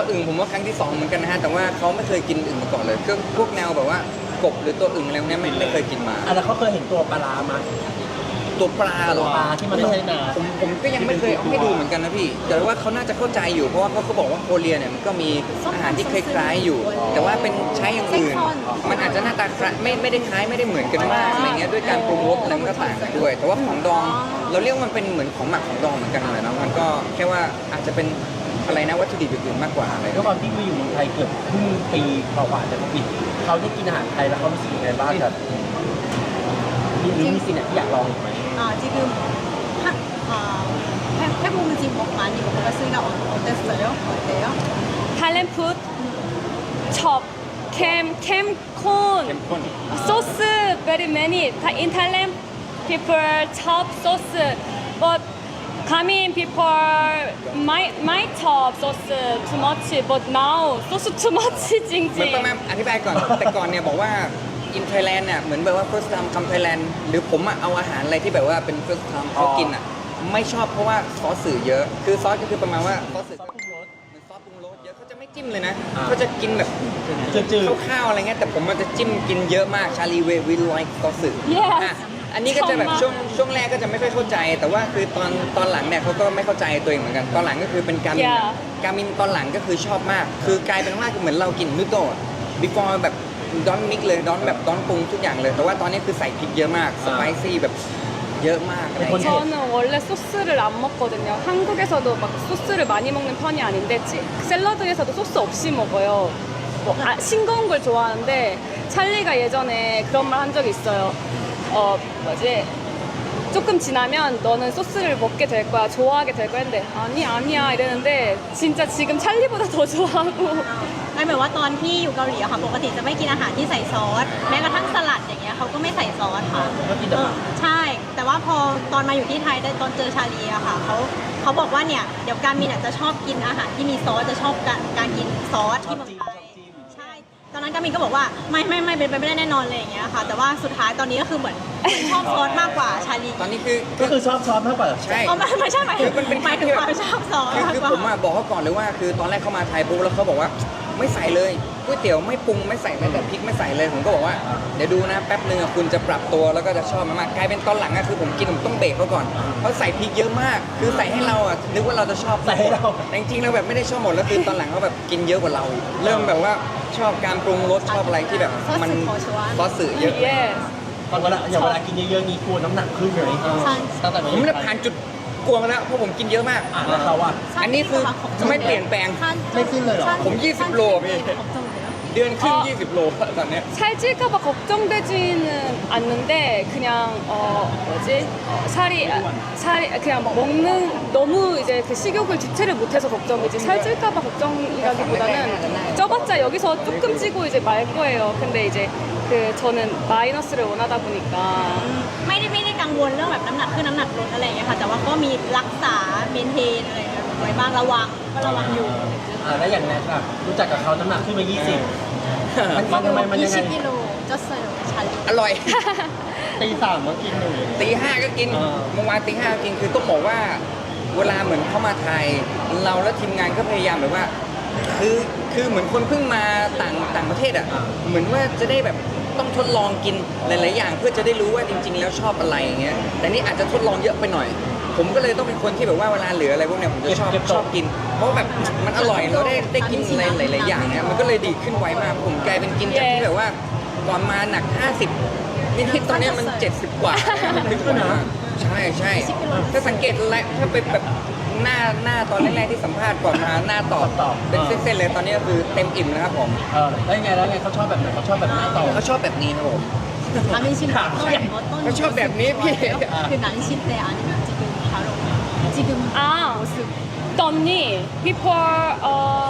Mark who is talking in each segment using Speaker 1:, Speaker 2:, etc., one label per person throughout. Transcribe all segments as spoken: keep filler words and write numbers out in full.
Speaker 1: ว่าอึ่งผมว่าครั้งที่สองเหมือนกันนะฮะแต่ว่าเขาไม่เคยกินอึ่งมาก่อนเลยก็พวกแนวแบบว่ากบหรือตัวอึ่งอะไรพวกนี้ไม่ไม่เคยกินมา
Speaker 2: อ่ะแล้วเขาเคยเห็นตัวปลาร้ามา
Speaker 1: ตัวปลาเหรอ
Speaker 2: ปลาที่มันไม่ใช่นา
Speaker 1: ผมผมก็ยังไม่เคยเอาให้ดูเหมือนกันนะพี่แต่ว่าเขาน่าจะเข้าใจอยู่เพราะว่าเขาเขาบอกว่าโคเรียเนี่ยมันก็มีอาหารที่คล้ายๆอยู่ แต่ว่าเป็นใช้อย่างอื่น มันอาจจะหน้าตาคล้ายไม่ไม่ได้คล้ายไม่ได้เหมือนกันมากอะไรเงี้ยด้วยการปรุงรสอะไรมันก็ต่างกันด้วย แต่ว่าของดองเราเรียกว่ามันเป็นเหมือนของหมักของดองเหมือนกันเลยนะมันก็แค่ว่าอาจจะเป็นอะไรนะวัตถุดิบอื่นๆมากกว่าอะไร
Speaker 2: ด้วยความที่มาอยู่เมืองไทยเกือบครึ่งปีกว่าจะโควิดเขาได้กินอาหารไทยแล้วเขารู้สึกยังไงบ้างครับหรือมีสิ่งไหนที่อยากลองอีกไหม
Speaker 3: 아, 지금 하, 아, 해, 해보면 지금 뭐 많이 먹어봤으니까 어, 어땠어요? 어때요?
Speaker 4: Thailand food, chop, cam, cam,
Speaker 1: เข้
Speaker 4: corn,
Speaker 1: มข้น
Speaker 4: sauce, very many. Tha- In Thailand, people chop sauce, but coming people might might chop sauce too much, but now sauce too much จริง
Speaker 1: เหมือนประมาณอธิบายก่อน แต่ก่อนเนี่ยบอกว่าอินไทยแลนด์เนี่ยเหมือนแบบว่า first time คำไทยแลนด์หรือผมอะเอาอาหารอะไรที่แบบว่าเป็น first time เขากินอะไม่ชอบเพราะว่าซอสสื่อเยอะ คือซอสก็คือประมาณว่าซอสสื่อก็เหมือนซอสปรุงรสเยอะเขาจะไม่จิ้มเลยนะเขาจะกินแบบ
Speaker 2: จืด
Speaker 1: ข้าวๆอะไรเงี้ยแต่ผมมันจะจิ้มกินเยอะมากชาลีเววิลไลค์ซอสสื่อ
Speaker 4: Yes
Speaker 1: อ่ะอันนี้ก็จะแบบช่วงช่วงแรกก็จะไม่ค่อยเข้าใจ แต่ว่าคือตอนตอนหลังเนี่ยเขาก็ไม่เข้าใจตัวเองเหมือนกันตอนหลังก็คือเป็นการมิน
Speaker 4: Yeah
Speaker 1: การมินตอนหลังก็คือชอบมาก คือกลายเป็นว่าเหมือนเรากินนูโดะ before แบบดอนมิกเลยดอนแบบดอนปรุงทุกอย่างเลย แต่ว่าตอนนี้คือใส่พริกเยอะมากสไปซี่แบบเยอะมากอะไรอย่างเงี้ย
Speaker 4: 저는 원래 소스를 안 먹거든요. 한국에서도 막 소스를 많이 먹는 편이 아닌데 치- 샐러드에서도 소스 없이 먹어요. 뭐 아, 싱거운 걸 좋아하는데 찰리가 예전에 그런 말 한 적이 있어요. 어 뭐지? 조금 지나면 너는 소스를 먹게 될 거야, 좋아하게 될 거야 했는데 아니 아니야 이랬는데 진짜 지금 찰리보다 더 좋아하고
Speaker 3: ไม่เหมือนว่าตอนที่อยู่เกาหลีอะค่ะปกติจะไม่กินอาหารที่ใส่ซอสแม้กระทั่งสลัดอย่างเงี้ยเขาก็ไม่ใส่ซอสค่ะ
Speaker 2: ก็กินแต่
Speaker 3: เอ
Speaker 2: ผั
Speaker 3: อก ใช่ แต่ว่าพอตอนมาอยู่ที่ไทยได้ตอนเจอชาลีอะค่ะเขาเขาบอกว่าเนี่ยเดี๋ยวการมินอะจะชอบกินอาหารที่มีซอสจะชอบการการกินซอสที่เมืองไทยใช่ตอนนั้นการมินก็บอกว่าไม่ไม่ไม่เป็นไปไม่ได้แน่นอนเลยอย่างเงี้ยค่ะ แต่ว่าสุดท้ายตอนนี้ก็คือเหมือนเหมือนชอบซอสมากกว่าชาลี
Speaker 1: ตอนนี้คือ
Speaker 2: ก็คือชอบซอสมากกว่า
Speaker 1: ใช่
Speaker 3: อ๋อไม่ไม่ใช่หมายถึง
Speaker 1: คือมันเป็น
Speaker 3: หมายถึงความชอบซอส
Speaker 1: คือ
Speaker 3: มาก
Speaker 1: คือก
Speaker 3: ว่า
Speaker 1: ผมอะบอกเขาก่อนเลยว่าคือตอนแรกเข้ามาไทยปุ๊บแล้วเขาบอกว่าไม่ใส่เลยก๋วยเตี๋ยวไม่ปรุงไม่ใส่แม้แต่พริกไม่ใส่เลยผมก็บอกว่าเดี๋ยวดูนะแป๊บนึงอะคุณจะปรับตัวแล้วก็จะชอบมันมากกลายเป็นตอนหลังอะคือผมกินผมต้องเบรกเขาก่อนเพราะใส่พริกเยอะมาก คือใส่ให้เราอะนึกว่าเราจะชอบ
Speaker 2: ใส่ให้เรา
Speaker 1: แต่จริงๆเราแบบไม่ได้ชอบหมดแล้วคือตอนหลังเขาแบบกินเยอะกว่าเราอีกเริ่มแบบว่าชอบการปรุงรสชอบอะไรที่แบบมันซอสสื่อเยอะ
Speaker 4: yes
Speaker 2: ตอนเวลาอย่างเวลากินเยอะๆนี้กลัวน้ำหนักขึ้นไหมตั้งแต่
Speaker 1: ผมเนี่ยผ่านจุดกลัวมาแล้วเพราะผมกินเยอะมาก
Speaker 2: อ่ะแล้วเขาอะ
Speaker 1: อันนี้คือไม่เปลี่ยนแปลง
Speaker 2: ไม่ขึ้นเลยเหรอ
Speaker 1: ผมยี่สิบโลพี่ เดือนครึ่ง
Speaker 4: อ๋อ
Speaker 1: ยี่สิบโลตอนเนี้ย
Speaker 4: 살찔까봐 걱정되지는 않는데 그냥 어 뭐지 어, 살이 아, 살이 그냥 막 먹는 너무 이제 그 식욕을 주체를 못해서 걱정이지 살찔까봐 걱정이라기보다는 쪄봤자 여기서 조금 찌고 이제 말 거예요. 근데 이제 그 저는 마이너스를 원하다 보니까
Speaker 3: ไม่ได้ไม่ได้กังวลเรื่องแบบน้ำหนักขึ้นน้ำหนักลดอะไรอย่างเงี้ยค่ะ แต่ว่าก็มีรักษาเมนเทนอะไรอย่างเงี้ยไว้บ้างระวังก็ระวังอยู่
Speaker 2: อ่าแล้วอย่างแนทอะรู้จักกับเขาน้ำหนักขึ้นมายี่สิบมันมันทำไมมันยังไง
Speaker 3: ยี่สิบกิโล쪘어요ชาลี
Speaker 1: อร่อย
Speaker 2: ตีสามมากินหนึ่ง
Speaker 1: ตีห้าก็กิน
Speaker 2: อ่า
Speaker 1: เมื่อวานตีห้าก็กินคือต้องบอกว่า เวลาเหมือนเข้ามาไทย เราและทีมงานก็พยายามแบบว่า คือคือเหมือนคนเพิ่งมาต่างต่างประเทศอ่ะเหมือนว่าจะได้แบบต้องทดลองกินหลาย ๆ อย่าง เพื่อจะได้รู้ว่าจริง ๆ แล้วชอบอะไรอย่างเงี้ยแต่นี่อาจจะทดลองเยอะไปหน่อย ผมก็เลยต้องเป็นคนที่แบบว่าเวลาเหลืออะไรพวกเนี้ยผมจะชอบชอบกิน เพราะแบบมันอร่อยเราได้ได้กินอะไรหลาย ๆ อย่างเนี่ยมันก็เลยดีขึ้นไวมากผมกลายเป็นกินจากที่แบบว่าก่อนมาหนักห้าสิบนิดๆตอนเนี้ยมันเจ็ดสิบกว่าขึ้นกว่าใช่ใช่ถ้าสังเกตแล้วถ้าเป็นแบบหน้าหน้าตอนแรก ๆ ที่สัมภาษณ์ก่อนมาหน้าตอบเป็นเส้น ๆ เลยตอนนี้ก็คือเต็มอิ่มนะครับผม
Speaker 2: เออแล้วยังไงแล้วไงเขาชอบแบบไหนเขาชอบแบบหน้าต่อ
Speaker 1: เขาชอบแบบนี้ครับผม
Speaker 3: อามินชิน어떤 어떤
Speaker 1: เขาชอบแบบนี้พี่
Speaker 3: 그 난시 때 아니면 지금 바로 지금
Speaker 4: 아 떴니 before 어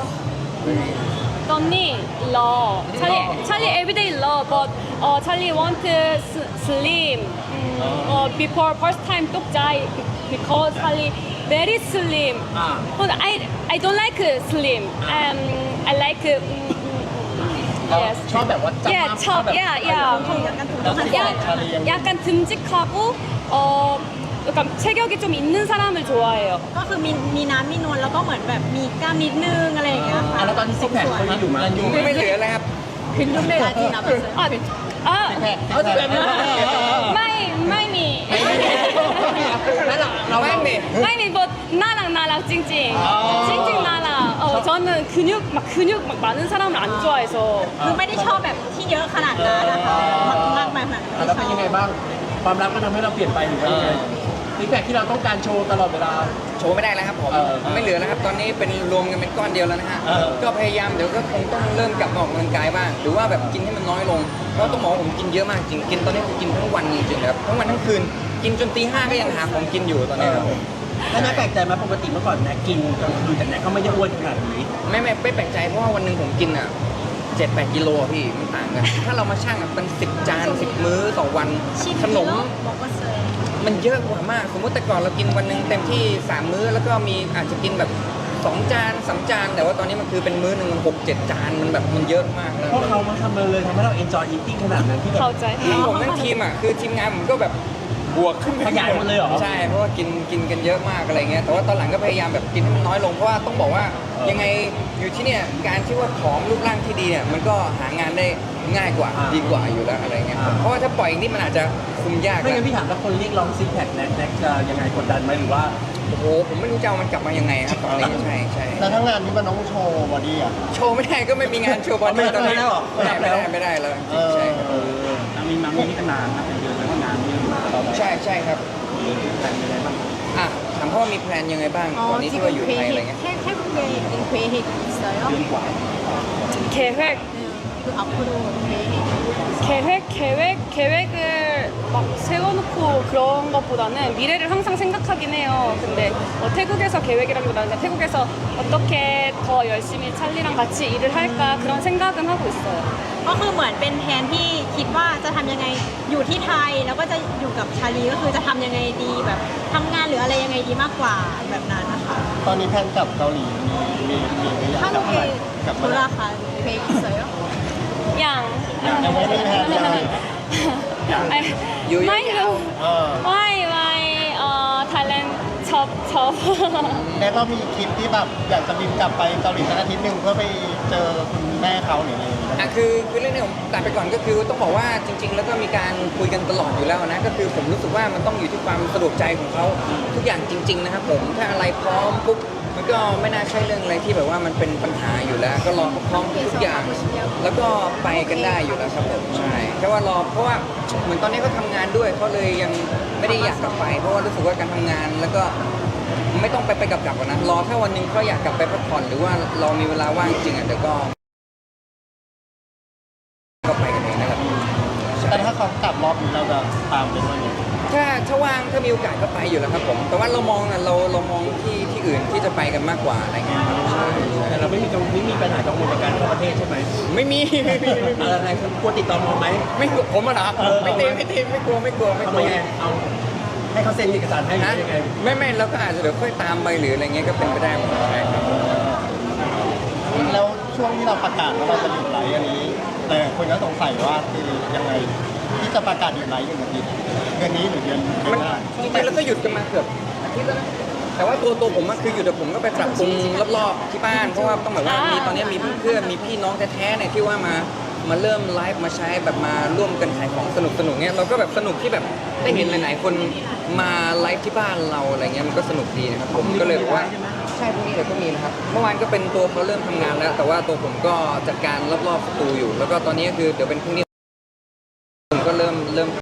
Speaker 4: 떴니 love 찰리 찰리 everyday love but 어 찰리 want s- slim 음, 어 before first time 똑자이 because 찰리 very slim
Speaker 2: 아.
Speaker 4: but I I don't like slim um I like 음, 음, yes
Speaker 2: ชอบแบบว่าจับ
Speaker 4: yeah
Speaker 2: มา
Speaker 4: 첩 yeah yeah
Speaker 3: 약간
Speaker 2: แล้วที่
Speaker 4: 야,
Speaker 2: ชาลียัง
Speaker 4: 약간 듬직하고 어 약간 체격이 좀 있는 사람을 좋아해요.
Speaker 3: ก็คือมีมีน้ำมีนวลแล้วก็เหมือนแบบมีกล้ามนิดนึงอะไรอย่างเงี้ยค่ะ
Speaker 2: แผ่นเขายังอยู่ไหม
Speaker 1: ไม่เหลือแล้วครับ
Speaker 3: 빌룸에 아직 남았어요.
Speaker 4: 아, 아,
Speaker 2: เอาแต่แบบนี้
Speaker 4: 마이, 마이미.
Speaker 2: แล้วเราเรา
Speaker 1: ไม่มี
Speaker 4: 마이미 뭐 나랑 나랑 찡찡. 찡찡 나랑. 어, 저는 근육 막 근육 막 많은 사람을 안 좋아해서
Speaker 3: คือไม่ได้ชอบแบบที่เยอะขนาดนั้นนะคะมากๆแบบนั้น
Speaker 2: แล้วเป็นยังไงบ้างความรักมันทำให้เราเปลี่ยนไปหรือว่ายังไงฟีดแบ็กที่เราต้องการโชว์ตลอดเวลา
Speaker 1: โชว์ไม่ได้แล้วครับผม
Speaker 2: เออ
Speaker 1: ไม่เหลือแล้วครับตอนนี้เป็นรวมกันเป็นก้อนเดียวแล้วนะฮะ
Speaker 2: เออ
Speaker 1: ก็พยายามเดี๋ยวก็คงต้องเริ่มกลับมาออกกำลังกายบ้างหรือว่าแบบกินให้มันน้อยลงเพราะต้องบอกว่าผมกินเยอะมากจริงกินตอนนี้คือกินทั้งวันจริงๆครับทั้งวันทั้งคืนกินจนตีห้าก็ยังหาของกินอยู่ตอนนี้ครับผม
Speaker 2: แล้วน่าแปลกใจไหมปกติเมื่อก่อนแนะกินกลางคืนแต่แนะก็ไม่ได้อ้วนขนาดนี้
Speaker 1: ไม่ไม่ไม่แปลกใจเพราะว่าวันหนึ่งผมกินอ่ะเจ็ดแปดกิโลอะพี่มันต่างกัน ถ้าเรามาชั่งอะเป็นสิบจานสิบมื้อต่อวันขนม
Speaker 3: 먹었어요.
Speaker 1: มันเยอะกว่ามาก สมมติแต่ก่อนเรากินวันหนึ่งเต็มที่สามมื้อแล้วก็มีอาจจะกินแบบสองจานสามจาน แต่ว่าตอนนี้มันคือเป็นมื้อหนึ่งหกเจ็ดจานมันแบบมันเยอะมากนะ
Speaker 2: เพราะเขามาทำมาเลยทำให้เรา enjoy eating ขนาดนั้นที่แบบ
Speaker 4: 가오짜이.
Speaker 1: ทีมผมทั้งทีมอ่ะคือทีมงานผมก็แบบบวกขึ้นไป
Speaker 2: ขยายหมดเลยเหรอ
Speaker 1: ใช่เพราะว่ากินกินกันเยอะมากอะไรเงี้ยแต่ว่าตอนหลังก็พยายามแบบกินให้มันน้อยลงเพราะว่าต้องบอกว่ายังไงอยู่ที่เนี่ยการที่ว่าผอมรูปร่างที่ดีเนี่ยมันก็หางานได้ง่ายกว่าดีกว่าอยู่แล้วอะไรเงี้ยเพราะว่าถ้าปล่อยอย่างนี้มันอาจจะคุมยาก
Speaker 2: ไม่งั้น
Speaker 1: นะ
Speaker 2: พี่ถามถ้าคนเรียกร้องซิกแพคแน็กแน็กจะยังไงกดดันไหมหรือว่า
Speaker 1: โอ้โหผมไม่รู้จะเอามันกลับมายังไงครับตอนนี้ใช่ใช่
Speaker 5: แล้วทั้งงานนี้มันต้องโชว์บอดี้อ่ะ
Speaker 1: โชว์ไม่ได้ก็ไม่มีงานโชว์บอล
Speaker 2: ไม่ได้
Speaker 1: ตอนนี้
Speaker 2: ไม่ได้หรอ
Speaker 1: ไม่ได้ไม่ได้ไม่ได้แล้วจริงๆใช่ครับ
Speaker 5: เออ
Speaker 2: มีมามีนี่กันนานนะเป็นเดือนแล้วก็งานเยอะมาก
Speaker 1: ใช่ใช่ครับ
Speaker 2: แต่เป็นยังไงบ้าง
Speaker 1: อ่ะถามพ่อมีแพลนยังไงบ้างตอนนี้ที่ว่าอยู่ไทยอะไรเงี้ย
Speaker 3: 태, 태국에 있는 계획 있어요?
Speaker 2: เดือนกว่า
Speaker 4: 계획,
Speaker 3: 네. 그 앞으로 계획.
Speaker 4: 계획, 계획, 계획을 막 세워놓고 그런 것보다는 미래를 항상 생각하긴 해요. 근데 뭐 태국에서 계획이라기보다는 그냥 태국에서 어떻게 더 열심히 찰리랑 같이 일을 할까 그런 생각은 하고 있어요.
Speaker 3: ก็คือเหมือนเป็นแผนที่คิดว่าจะทำยังไงอยู่ที่ไทยแล้วก็จะอยู่กับชาลีก็คือจะทำยังไงดีแบบทำงานหรืออะไรยังไงดีมากกว่าแบบนั้นนะคะ
Speaker 5: ตอนนี้แพลนกลับเกาหลีมีมีมีหรือยังกลับมา
Speaker 3: 한국에
Speaker 5: กลับมาแล้ว
Speaker 3: 돌아갈 계획 있어요?
Speaker 4: 양.
Speaker 5: ยังไม่มีแพลนยัง
Speaker 4: 아니,
Speaker 1: 유- 유-
Speaker 4: 마이,
Speaker 5: เออ
Speaker 4: 마이, 마이, 어, 탈렌, 접, 접.
Speaker 5: แน็กเรามีคลิปที่แบบอยากจะบินกลับไปเกาหลีสักอาทิตย์หนึ่งเพื่อไปเจอคุณแม่เขาหรืออะไรอย่างเงี้ย
Speaker 1: อ่ะคือคือเรื่องนี้ผมตัดไปก่อนก็คือต้องบอกว่าจริง ๆ แล้วก็มีการคุยกันตลอดอยู่แล้วนะก็คือผมรู้สึกว่ามันต้องอยู่ที่ความสะดวกใจของเขาทุกอย่างจริง ๆ นะครับผมถ้าอะไรพร้อมปุ๊บมันก็ไม่น่าใช่เรื่องอะไรที่แบบว่ามันเป็นปัญหาอยู่แล้ว ก็รอเขาพร้อมทุกอย่าง แล้วก็ไปกันได้อยู่แล้วครับผมใช่แค่ว่ารอเพราะว่าเหมือนตอนนี้เขาทำงานด้วยเขาเลยยังไม่ได้อยากกลับไป เพราะว่ารู้สึกว่าการทำงานแล้วก็ไม่ต้องไปไปกลับกลับนะรอแค่วันหนึงเขาอยากกลับไปพักผ่อนหรือว่าเรามีเวลาว่างจริงอ่ะเดี๋ยวก็ก็ไปกันเองนะครับใช่
Speaker 5: แต่ถ้าเขากลับรอบนี้เราจะตามไปด้วยไหม
Speaker 1: ถ้าถ้าว่างถ้ามีโอกาสก็ไปอยู่แล้วครับผม แต่ว่าเรามองอ่ะเราเรามองที่ที่อื่นที่จะไปกันมากกว่าอะไรเงี้ยครับใช่ใช่
Speaker 2: แต่เราไม่มีกังไม่มีปัญหากังวลในการเข้าประเทศใช่ไหม
Speaker 1: ไม่มีไม่มีไม่มี
Speaker 2: อะไรคือกลัวติดต่อมอไหม
Speaker 1: ไม่กลัวผมอะเหรอ
Speaker 2: เออ
Speaker 1: ไม่ตีไม่ตีไม่กลัวไม่กลัวไม่
Speaker 2: ทำ
Speaker 1: ก
Speaker 2: ไม
Speaker 1: ลัว
Speaker 2: ไงเอาให้เขาเซ็นเอกสารให้หรื
Speaker 1: นะ
Speaker 2: อยังไง
Speaker 1: ไม่ไม่เราก็อาจจะเดี๋ยวค่อยตามไปหรืออะไรเงี้ยก็เป็นไปได้หมดใช่ครับ
Speaker 5: แล้วช่วงที่เราประกาศว่าเราจะหยุดไลฟ์อันนี้แต่คนก็สงสัยว่าคือยังไงที่จะประกาศหยุดไลฟ์หนึ่งอาทิตย์เดือนนี้หรือเดือนเดือน
Speaker 1: มัน
Speaker 5: หน้า
Speaker 1: จริงๆแล้วก็หยุดกันมาเกือบอาทิตย์แล้วนะแต่ว่าตัวตัวผมอะคือหยุดแต่ผมก็ไปปรับปรุงรอบๆที่บ้านเพราะว่าต้องแบบว่ามีตอนนี้มีเพื่อนๆมีพี่น้องแท้ๆเนี่ยที่ว่ามามาเริ่มไลฟ์มาใช้แบบมาร่วมกันขายของสนุกสนุกๆเนี่ยเราก็แบบสนุกที่แบบได้เห็นหลายๆคนมาไลฟ์ที่บ้านเราอะไรเงี้ยมันก็สนุกดีนะครับผมก็เลยบอกว่าใช่พรุ่งนี้เดี๋ยวก็มีนะครับเมื่อวานก็เป็นตัวเขาเริ่มทำงานแล้ว แต่ว่าตัวผมก็จัดการรอบๆประตูอยู่ แล้วก็ตอนนี้ก็คือเดี๋ยวเป็นพรุ่งนี้ผมก็เริ่มเริ่ม